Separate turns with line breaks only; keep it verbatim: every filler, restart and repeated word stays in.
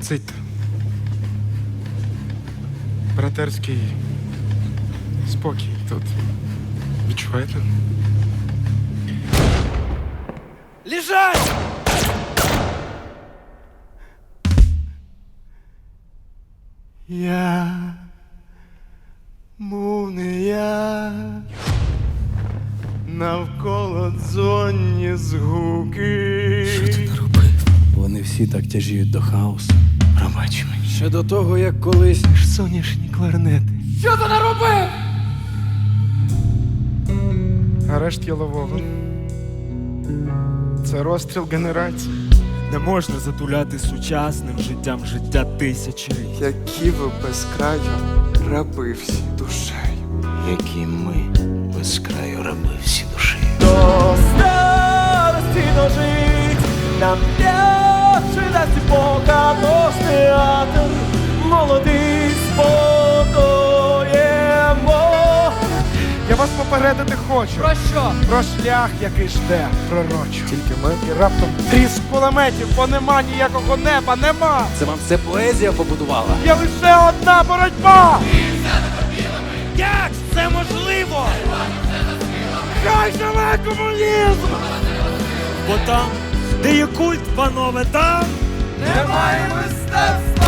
Цить. Братерський спокій тут. Відчуваєте?
Лежать! Я був не я, навколо дзонні згуки.
Що ти наробив?
Вони всі так тяжіють до хаосу.
Пробач мені.
Ще до того, як колись
Ж соняшні кларнети.
Що ти наробив? Арешт Ялового. Це розстріл генерації.
Не можна затуляти сучасним життям життя тисячі.
Які ви без краю раби всі душею.
які ми без краю раби всі душі.
До старості дожить, нам п'яче дасть Бога наш театр, молодий спокоємо.
Я вас попередити хочу.
Про що?
Про шлях, який жде пророчо. Тільки ми і раптом тріск кулеметів, бо нема ніякого неба, нема!
Це вам все поезія побудувала?
Є лише одна боротьба!
Як це можливо?
Хай живе комунізм!
Бо там, де є культ, панове, там
Немає мистецтва!